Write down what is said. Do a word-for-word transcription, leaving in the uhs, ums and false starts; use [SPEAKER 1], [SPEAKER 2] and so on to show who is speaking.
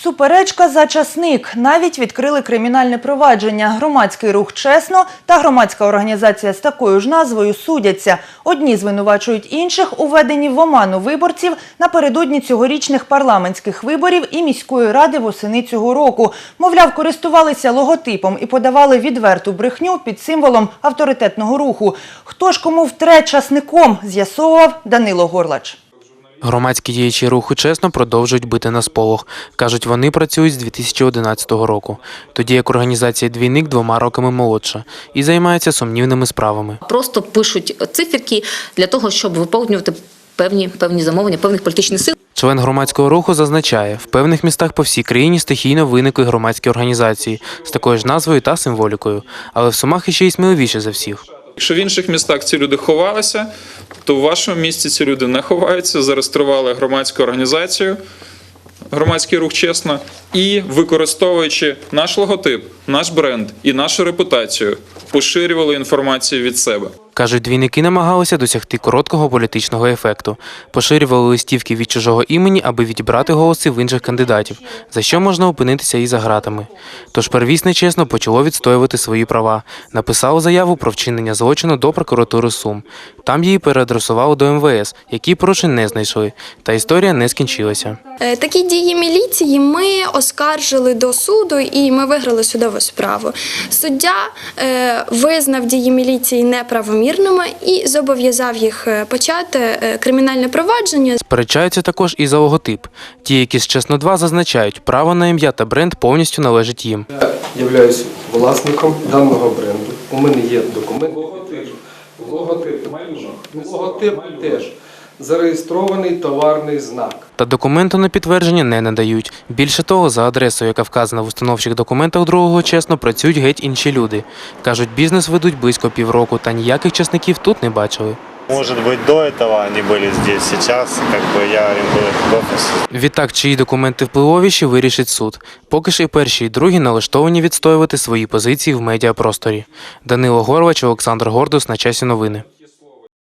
[SPEAKER 1] Суперечка за часник. Навіть відкрили кримінальне провадження. Громадський рух «Чесно» та громадська організація з такою ж назвою судяться. Одні звинувачують інших у введенні в оману виборців напередодні цьогорічних парламентських виборів і міської ради восени цього року. Мовляв, користувалися логотипом і подавали відверту брехню під символом авторитетного руху. Хто ж кому втре часником, з'ясовував Данило Горлач.
[SPEAKER 2] Громадські діячі руху «Чесно» продовжують бити на сполох. Кажуть, вони працюють з дві тисячі одинадцятого року. Тоді як організація «Двійник» двома роками молодша і займається сумнівними справами.
[SPEAKER 3] Просто пишуть циферки для того, щоб виповнювати певні, певні замовлення, певних політичних сил.
[SPEAKER 2] Член громадського руху зазначає, в певних містах по всій країні стихійно виникли громадські організації з такою ж назвою та символікою. Але в Сумах іще й сміливіше за всіх.
[SPEAKER 4] Якщо в інших містах ці люди ховалися, то в вашому місті ці люди не ховаються, зареєстрували громадську організацію, громадський рух «Чесно» і, використовуючи наш логотип, наш бренд і нашу репутацію, поширювали інформацію від себе.
[SPEAKER 2] Кажуть, двійники намагалися досягти короткого політичного ефекту. Поширювали листівки від чужого імені, аби відібрати голоси в інших кандидатів, за що можна опинитися і за ґратами. Тож первісне «Чесно» почало відстоювати свої права. Написало заяву про вчинення злочину до прокуратури Сум. Там її переадресували до ем ве ес, які порушень не знайшли. Та історія не скінчилася.
[SPEAKER 5] Такі дії міліції ми оскаржили до суду і ми виграли судову справу. Суддя е, визнав дії міліції неправомірними і зобов'язав їх почати кримінальне провадження.
[SPEAKER 2] Сперечаються також і за логотип. Ті, які з «Чесно два» зазначають, право на ім'я та бренд повністю належить їм.
[SPEAKER 6] Я являюсь власником даного бренду. У мене є документ. Логотип, логотип, логотип теж. Зареєстрований товарний знак.
[SPEAKER 2] Та документу на підтвердження не надають. Більше того, за адресою, яка вказана в установчих документах другого «Чесно», працюють геть інші люди. Кажуть, бізнес ведуть близько півроку, та ніяких часників тут не бачили.
[SPEAKER 7] Может быть, до этого они были здесь, сейчас как бы я им был в офисе.
[SPEAKER 2] Відтак, чиї документи впливовіші, вирішить суд. Поки ж і перші, і другі налаштовані відстоювати свої позиції в медіапросторі. Данило Горлач, Олександр Гордус. На часі новини.